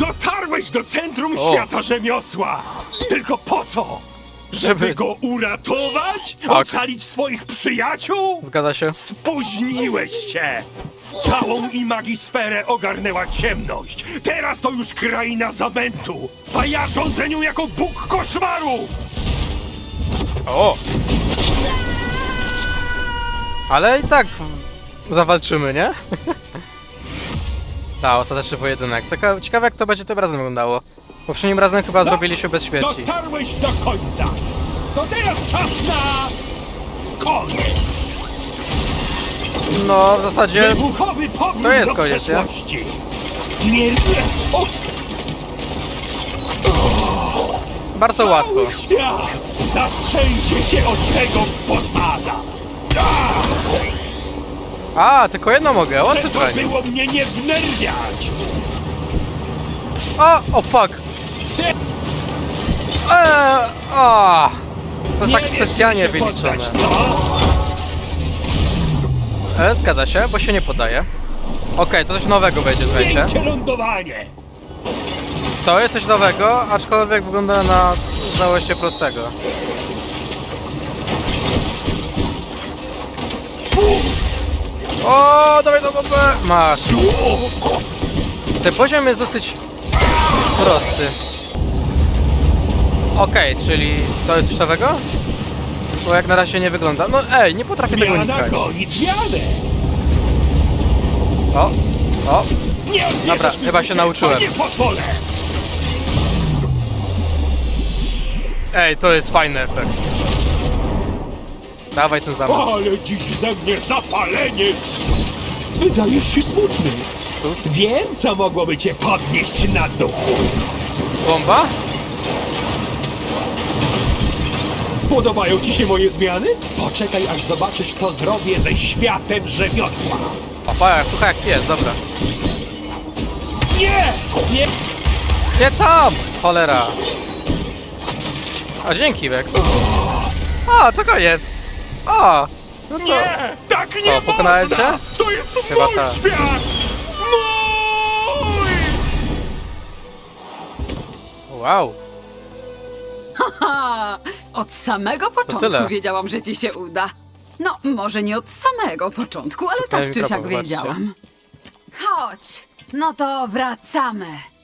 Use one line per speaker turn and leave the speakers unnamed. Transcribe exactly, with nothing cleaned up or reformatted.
Dotarłeś do centrum
O.
świata rzemiosła! Tylko po co? Żeby,
Żeby-
go uratować?
Tak.
Ocalić swoich przyjaciół?
Zgadza się.
Spóźniłeś się! Całą imagisferę ogarnęła ciemność. Teraz to już kraina zamętu, a ja rządzę nią jako Bóg koszmaru!
O! Ale i tak zawalczymy, nie? Ta, ostateczny pojedynek. Cieka- Ciekawe jak to będzie tym razem wyglądało. Poprzednim razem chyba zrobiliśmy bez śmierci.
Dotarłeś do końca! To teraz czas na... koniec!
No, w zasadzie...
Wybuchowy powrót
To jest
do
koniec, nie?
przeszłości! Nie... nie. O,
Bardzo łatwo.
cały świat zatrzęsie się od tego posada! Ah,
A, tylko jedno mogę, o ty
trzeba
tranie.
było mnie nie wnerwiać!
O, o fuck!
Ty-
Eee, o! To jest
Nie
tak
wiesz,
specjalnie
mi się
wyliczone.
poddać, co?
E, zgadza się, bo się nie podaje. Okej, to coś nowego będzie, słuchajcie.
Miękkie lądowanie!
To jest coś nowego, aczkolwiek wygląda na znałości prostego. O, dawaj do bombę! Masz. Ten poziom jest dosyć prosty. Okej, czyli to jest coś nowego? Bo jak na razie nie wygląda. No ej, nie potrafię tego
Zmiana
unikać.
goni zmianę!
O, o,
Nie odbierzesz
Dobra,
mi
chyba się
zwycięstwa,
nauczyłem.
Nie pozwolę!
ej, to jest fajny efekt. Dawaj ten zamek.
Ale dziś ze mnie zapaleniec! Wydajesz się smutny.
Sus.
Wiem, co mogłoby cię podnieść na duchu.
Bomba?
Podobają ci się moje zmiany? Poczekaj, aż zobaczysz, co zrobię ze światem rzemiosła.
Opa, słuchaj jak jest, dobra.
Nie! Nie!
Nie tam! Cholera. A dzięki, Vex. A, to koniec. O, no to...
Nie! Tak nie
pokonałem
można!
cię?
To jest
Chyba
mój
tak.
świat! Mój!
Wow.
Ha! Od samego
tyle.
początku wiedziałam, że ci się uda. No, może nie od samego początku, ale
Szukaj
tak czy siak
mikrofon, patrzcie.
wiedziałam. Chodź, no to wracamy.